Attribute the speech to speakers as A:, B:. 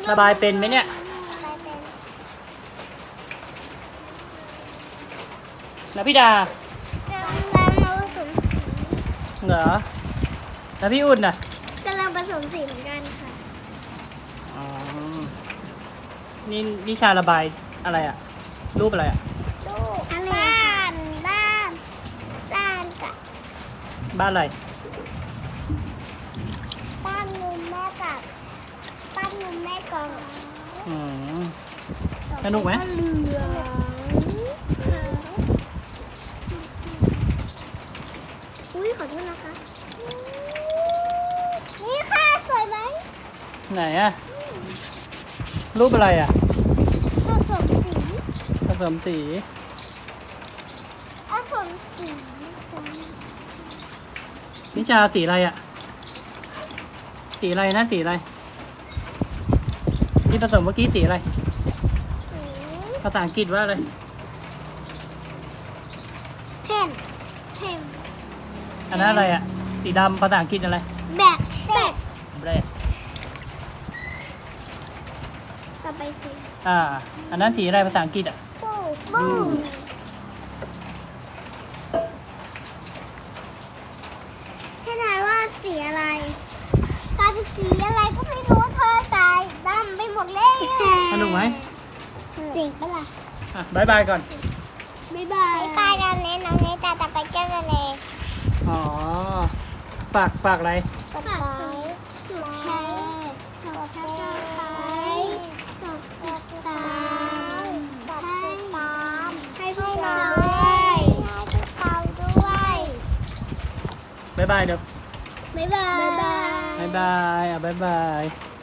A: ระบายเป็นไหมเนี่ยแล้วพี่ดาก
B: ำลังมาผสมสี
A: เหรอแล้วพี่อุ่นน่ะ
B: กำลังผสมสีเหมือนกันค่ะ
A: อ๋อนี่นิชาระบายอะไรอะรูปอะไรอะ
B: ลูกบ้านกับ
A: บ้านอะไร
B: บ้านลุงแม่กับบ้านลุงแม่กอง
A: อืมสนุกไหม
B: เหลืองอุ้ยขอโทษนะคะนี่ค่ะสวยไหม
A: ไหนอะรูปอะไรอะ
B: ผสมสี
A: ผสมสี
B: ผสมสี
A: นิชาสีอะไรอะสีอะไรนะสีอะไรที่ผสมเมื่อกี้สีอะไรภาษาอังกฤษว่าอะไร
B: เพนเพน
A: อันนั้นอะไรอะสีดำภาษาอังกฤษอะไร
B: แบก
A: แบล็ค
B: ต่อไปสี
A: อันนั้นสีอะไรภาษาอังกฤษอะ
B: บูให้ทายว่าสีอะไรกลายเป็นสีอะไรก็ไม่รู้เธอใส่ดำไปหมดเลย
A: สนุกไหม
B: จริงปะล่ะ
A: บายบายก่อน
B: บ๊ายบายกันเน้นน้องเนตาไปเจ้าเลย
A: อ๋อฝากอะไร
B: กดไลค์กดแชร์กดซับสไครต์กดติดตามให้พวกเราด้วย
A: บายบายเดี๋ยว
B: บ๊ายบาย
A: บายบายบายบาย